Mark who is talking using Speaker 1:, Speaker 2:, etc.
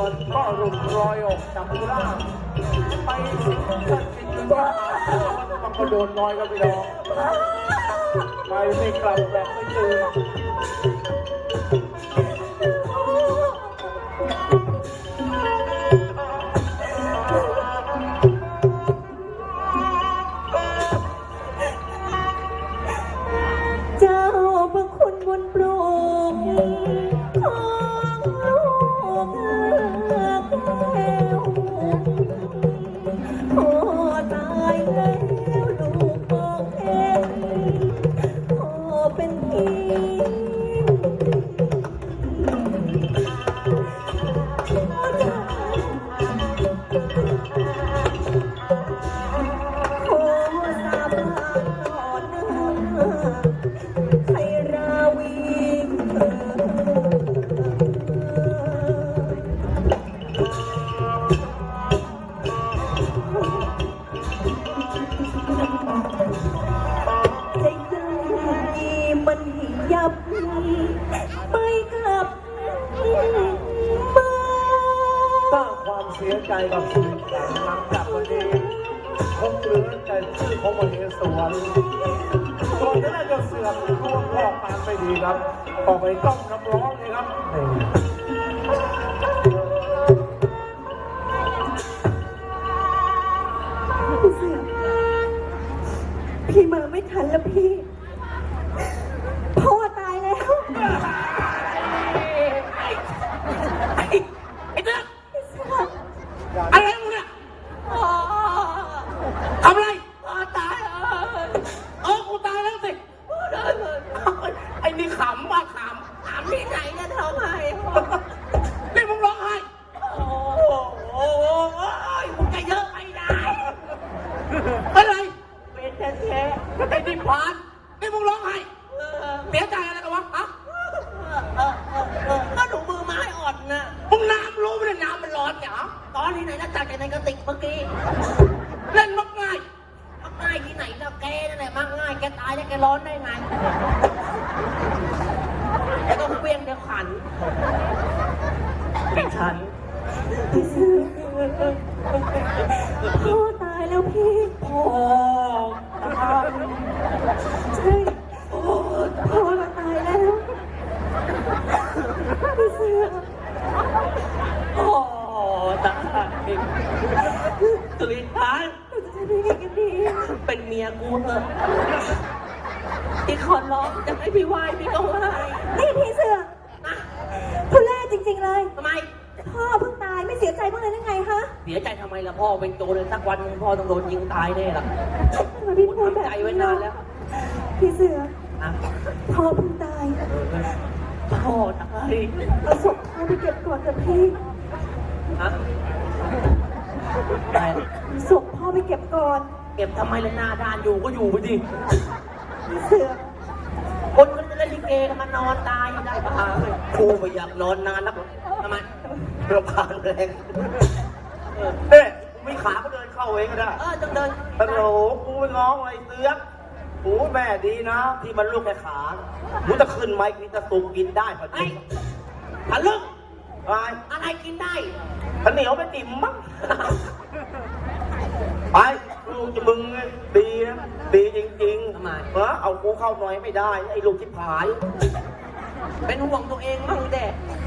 Speaker 1: วนก็หลุดลอยออกจากร่างไปสิงสถิตอยู่ที่มันก็โดนน้อยครับพี่น้องไปไม่กลับแบบไม่ตื่นเสียใจกับชีวิตหลังจากวันนี้คงเหลือแต่ชื่อของมเหสวนส่วนที่น่าจะเสื่อมร่วงรอบการไม่ดีครับออกไปต้มน้ำร้อนเลยครับ
Speaker 2: พี่มาไม่ทันแล้วพี่พ่อตายแล้ว
Speaker 3: อะไรมึงเนี่ยทำอะไรตายกูตายแล้วสิไอ้นี่ขำบ้าขำที่ไหนเนี่ยร้องไห้นี่มึงร้องไห้โอ้ยมึงจะเยอะไปได้อะไรเป็นแท้ๆไอ้นี่พานนี่มึงร้องไห้เสียใจอะไรกันวะฮะก็หนูมือไม้อ่อนนะมึงน้ำรู้ไหมเนี่ยน้ำมันร้อนเนี่ยตอนที่ไหนนะจากในกระติกเมื่อกี้เล่นมักง่ายที่ไหนแล้วแกนั่นแหละมักง่ายแกตายแล้วแกร้อนได้ไงแกต้องเปรี้ยงเดี๋ยวขันดิฉัน
Speaker 2: พ่อตายแล้วพี่
Speaker 3: พ่อ
Speaker 2: ใช่พ่อเราตายแล้วพี่เสือ
Speaker 3: ตายสุริพันธ์เป็นเมียกูเถอะที่ขอร้องจะให้พี่ไหว้พี่ก็ไหว้
Speaker 2: นี่พี่เสือทุเล่จริงๆเลย
Speaker 3: ทำไม
Speaker 2: พ่อเพิ่งตายไม่เสียใจบ้างเลยได้ไงคะ
Speaker 3: เสียใจทำไมล่ะพ่อเป็นโจรเลยสักวันพ่อต้องโดนยิงตายแน่ล่ะ
Speaker 2: ทำไมพี่พูดแบบ
Speaker 3: ใจไว้นานแล้ว
Speaker 2: พี่เสือพ่อเพิ่งตาย
Speaker 3: พ่อตาย
Speaker 2: เอาศพพ่อไปเก็บก่อนเถอะพี่ศพพ่อไปเก็บก่อน
Speaker 3: เก็บทำไมล่ะหน้าด้านอยู่ก็อยู่ไปดิ
Speaker 2: พี่เสือ
Speaker 3: คนมันจะเล่นลิเกกันมานอนตายได้ปะครูไม่อยากนอนนานนักทำไมเราผ่านแรงเฮ้ยไม่ขาก็เดินเข้าเองก็ได้จังเดินฮัลโหลกูไปง้อไอ้เสือกหูแม่ดีนะที่มันลูกแค่ขาหูจะขึ้นไหมกินจะสุกกินได้พอดีทะลึ่งอะไรกินได้ข้าวเหนียวไม่ติ่มมั้งไปลูกจะมึงดีนะดีจริงๆทำไมเอากูเข้าหน่อยไม่ได้ไอ้ลูกชิบหายเป็นห่วงตัวเองมั่งแดด